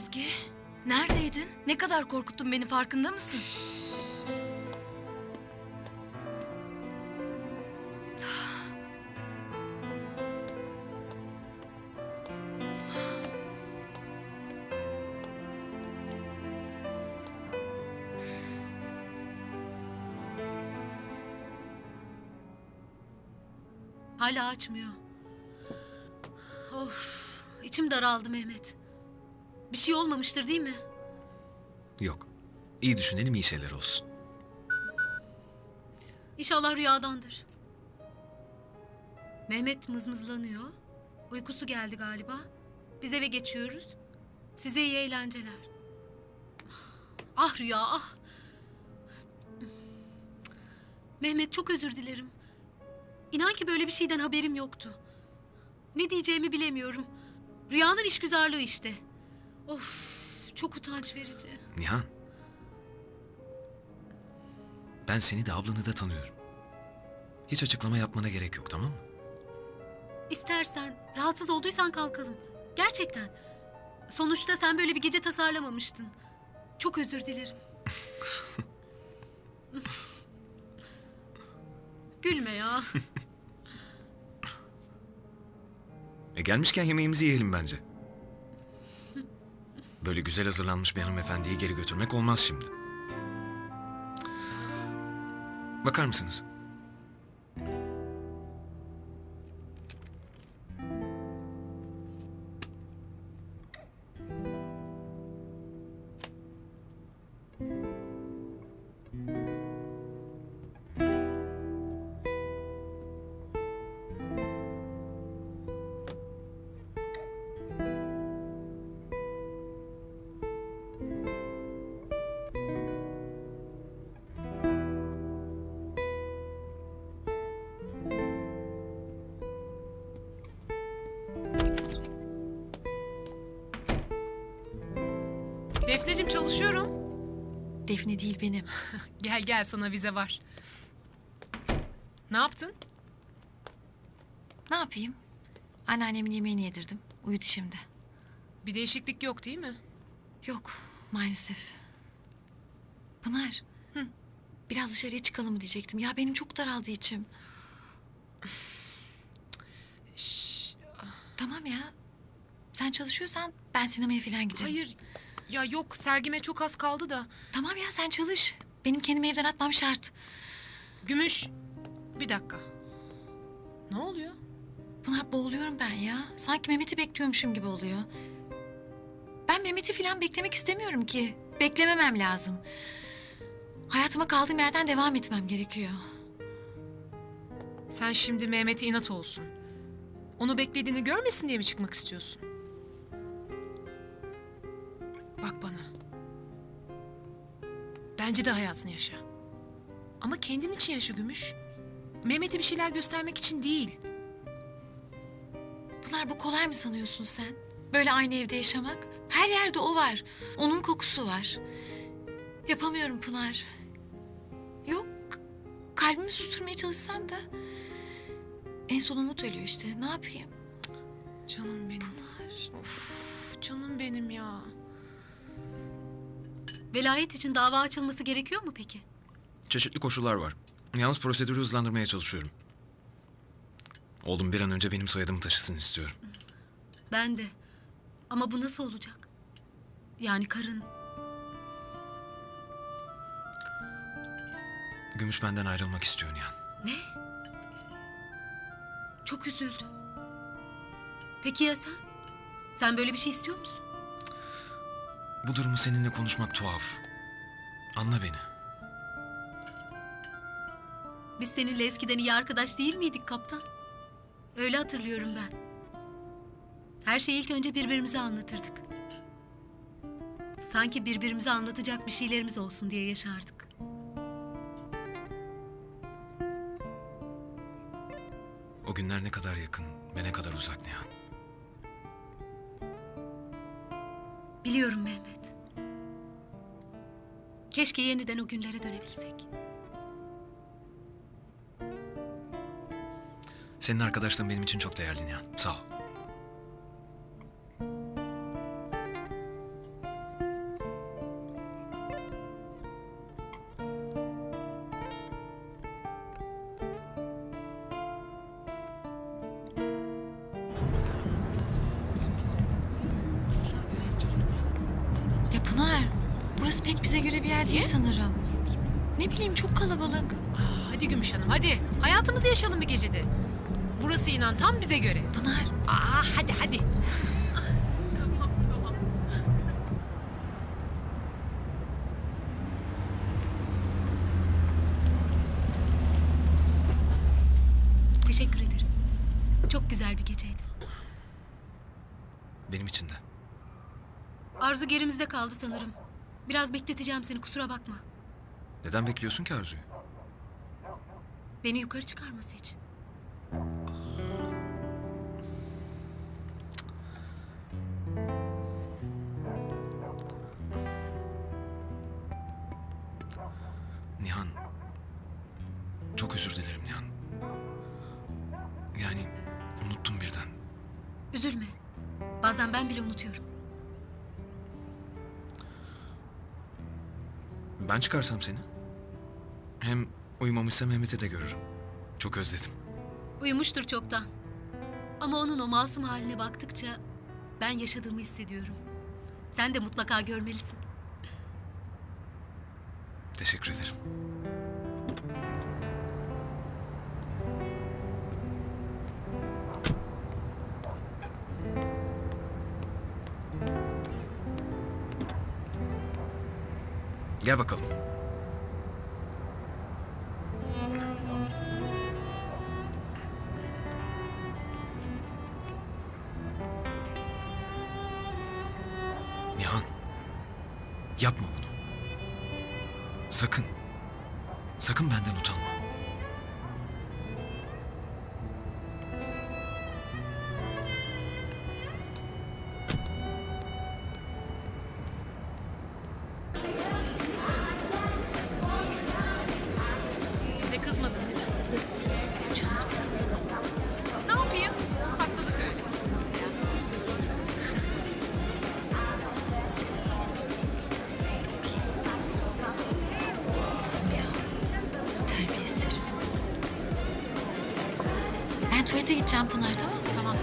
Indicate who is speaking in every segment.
Speaker 1: Ezgi, neredeydin? Ne kadar korkuttun beni, farkında mısın?
Speaker 2: Hala açmıyor. Of, içim daraldı Mehmet. Bir şey olmamıştır değil mi?
Speaker 3: Yok. İyi düşünelim, iyi şeyler olsun.
Speaker 2: İnşallah rüyadandır. Mehmet mızmızlanıyor. Uykusu geldi galiba. Biz eve geçiyoruz. Size iyi eğlenceler. Ah Rüya, ah. Mehmet, çok özür dilerim. İnan ki böyle bir şeyden haberim yoktu. Ne diyeceğimi bilemiyorum. Rüyanın işgüzarlığı işte. Of, çok utanç verici.
Speaker 3: Nihan. Ben seni de ablanı da tanıyorum. Hiç açıklama yapmana gerek yok, tamam mı?
Speaker 2: İstersen, rahatsız olduysan kalkalım. Gerçekten. Sonuçta sen böyle bir gece tasarlamamıştın. Çok özür dilerim. Gülme ya.
Speaker 3: Gelmişken yemeğimizi yiyelim bence. Böyle güzel hazırlanmış bir hanımefendiyi geri götürmek olmaz şimdi. Bakar mısınız?
Speaker 4: Defneciğim, çalışıyorum.
Speaker 1: Defne değil, benim.
Speaker 4: Gel gel, sana vize var. Ne yaptın?
Speaker 1: Ne yapayım? Anneannemin yemeğini yedirdim. Uyudu şimdi.
Speaker 4: Bir değişiklik yok değil mi?
Speaker 1: Yok, maalesef. Pınar, biraz dışarıya çıkalım mı diyecektim. Ya benim çok daraldı içim. Tamam ya. Sen çalışıyorsan ben sinemaya falan giderim.
Speaker 4: Hayır. Ya yok, sergime çok az kaldı da.
Speaker 1: Tamam ya, sen çalış. Benim kendimi evden atmam şart.
Speaker 4: Gümüş. Bir dakika. Ne oluyor?
Speaker 1: Pınar, boğuluyorum ben ya. Sanki Mehmet'i bekliyormuşum gibi oluyor. Ben Mehmet'i falan beklemek istemiyorum ki. Beklememem lazım. Hayatıma kaldığım yerden devam etmem gerekiyor.
Speaker 4: Sen şimdi Mehmet'e inat olsun. Onu beklediğini görmesin diye mi çıkmak istiyorsun? Bak bana. Bence de hayatını yaşa. Ama kendin için yaşa Gümüş. Mehmet'e bir şeyler göstermek için değil.
Speaker 1: Pınar, bu kolay mı sanıyorsun sen? Böyle aynı evde yaşamak. Her yerde o var. Onun kokusu var. Yapamıyorum Pınar. Yok. Kalbimi susturmaya çalışsam da en son umut ölüyor işte. Ne yapayım?
Speaker 4: Canım benim.
Speaker 1: Pınar.
Speaker 4: Of, canım benim ya.
Speaker 2: Velayet için dava açılması gerekiyor mu peki?
Speaker 3: Çeşitli koşullar var. Yalnız prosedürü hızlandırmaya çalışıyorum. Oğlum bir an önce benim soyadımı taşısın istiyorum.
Speaker 2: Ben de. Ama bu nasıl olacak? Yani karın...
Speaker 3: Gümüş benden ayrılmak istiyor Nihan.
Speaker 2: Ne? Çok üzüldüm. Peki ya sen? Sen böyle bir şey istiyor musun?
Speaker 3: Bu durumu seninle konuşmak tuhaf. Anla beni.
Speaker 2: Biz seninle eskiden iyi arkadaş değil miydik kaptan? Öyle hatırlıyorum ben. Her şeyi ilk önce birbirimize anlatırdık. Sanki birbirimize anlatacak bir şeylerimiz olsun diye yaşardık.
Speaker 3: O günler ne kadar yakın ve ne kadar uzak Nihan.
Speaker 2: Biliyorum Mehmet. Keşke yeniden o günlere dönebilsek.
Speaker 3: Senin arkadaşlığın benim için çok değerli Nihan. Sağ ol.
Speaker 1: Burası pek bize göre bir yer değil
Speaker 4: Niye?
Speaker 1: sanırım. Ne bileyim, çok kalabalık.
Speaker 4: Hadi Gümüş Hanım hadi. Hayatımızı yaşayalım bir gecede. Burası inan tam bize göre.
Speaker 1: Pınar,
Speaker 4: Hadi hadi. Tamam tamam.
Speaker 2: Teşekkür ederim. Çok güzel bir geceydi.
Speaker 3: Benim için de.
Speaker 2: Arzu gerimizde kaldı sanırım. Biraz bekleteceğim seni, kusura bakma.
Speaker 3: Neden bekliyorsun ki Arzu'yu?
Speaker 2: Beni yukarı çıkarması için.
Speaker 3: Nihan. Çok özür dilerim Nihan. Yani unuttum birden.
Speaker 2: Üzülme. Bazen ben bile unutuyorum.
Speaker 3: Ben çıkarsam seni. Hem uyumamışsa Mehmet'i de görürüm. Çok özledim.
Speaker 2: Uyumuştur çoktan. Ama onun o masum haline baktıkça ben yaşadığımı hissediyorum. Sen de mutlaka görmelisin.
Speaker 3: Teşekkür ederim. Gel bakalım. Nihan. Yapma bunu. Sakın. Sakın benden utanma.
Speaker 4: Bize kızmadın değil mi?
Speaker 1: canım sıkıldı.
Speaker 4: Ne yapayım? Saklasın.
Speaker 1: Terbiyesiz herif. Ben tuvalete gideceğim Pınar, tamam mı?
Speaker 4: Tamam.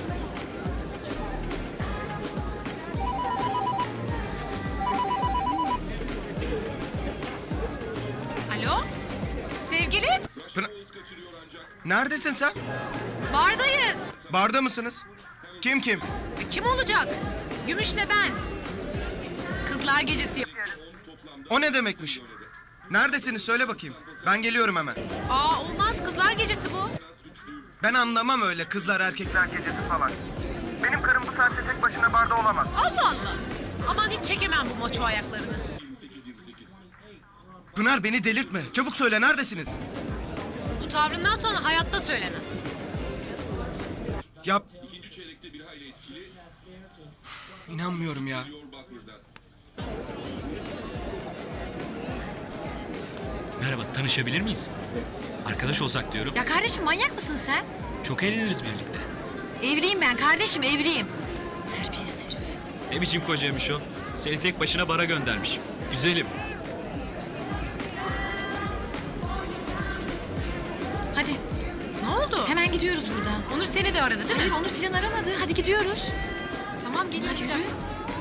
Speaker 4: Alo? Sevgili?
Speaker 5: Neredesin sen?
Speaker 4: Bardayız.
Speaker 5: Barda mısınız? Kim kim?
Speaker 4: Kim olacak? Gümüş'le ben. Kızlar gecesi yapıyoruz.
Speaker 5: O ne demekmiş? Neredesiniz söyle bakayım. Ben geliyorum hemen.
Speaker 4: Olmaz, kızlar gecesi bu.
Speaker 5: Ben anlamam öyle kızlar erkekler gecesi falan. Benim karım bu saatte tek başına barda olamaz.
Speaker 4: Allah Allah. Aman hiç çekemem bu maço ayaklarını.
Speaker 5: Pınar beni delirtme. Çabuk söyle neredesiniz?
Speaker 4: Bu tavrından sonra hayatta söylemem.
Speaker 5: Yap. İnanmıyorum ya.
Speaker 6: Merhaba, tanışabilir miyiz? Arkadaş olsak diyorum.
Speaker 1: Ya kardeşim, manyak mısın sen?
Speaker 6: Çok eğleniriz birlikte.
Speaker 1: Evliyim ben kardeşim, evliyim. Terbiyesiz herif.
Speaker 6: Ne biçim kocaymış o? Seni tek başına bara göndermiş. Güzelim.
Speaker 1: Hadi,
Speaker 4: Ne oldu?
Speaker 1: hemen gidiyoruz buradan.
Speaker 4: Onur seni de aradı değil
Speaker 1: Hayır,
Speaker 4: mi?
Speaker 1: onu filan aramadı. Hadi gidiyoruz.
Speaker 4: Tamam geliyoruz.
Speaker 1: Hadi yürü.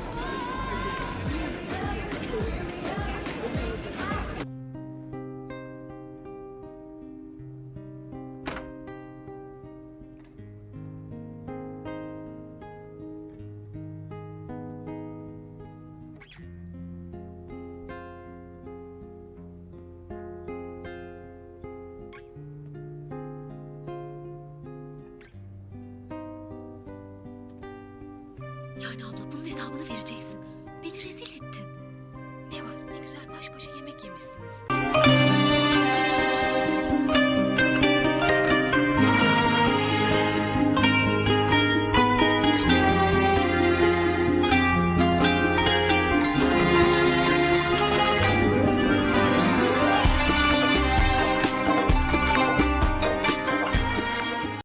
Speaker 2: Yani abla, bunun hesabını vereceksin. Beni rezil ettin. Ne var, ne güzel baş başa yemek yemişsiniz.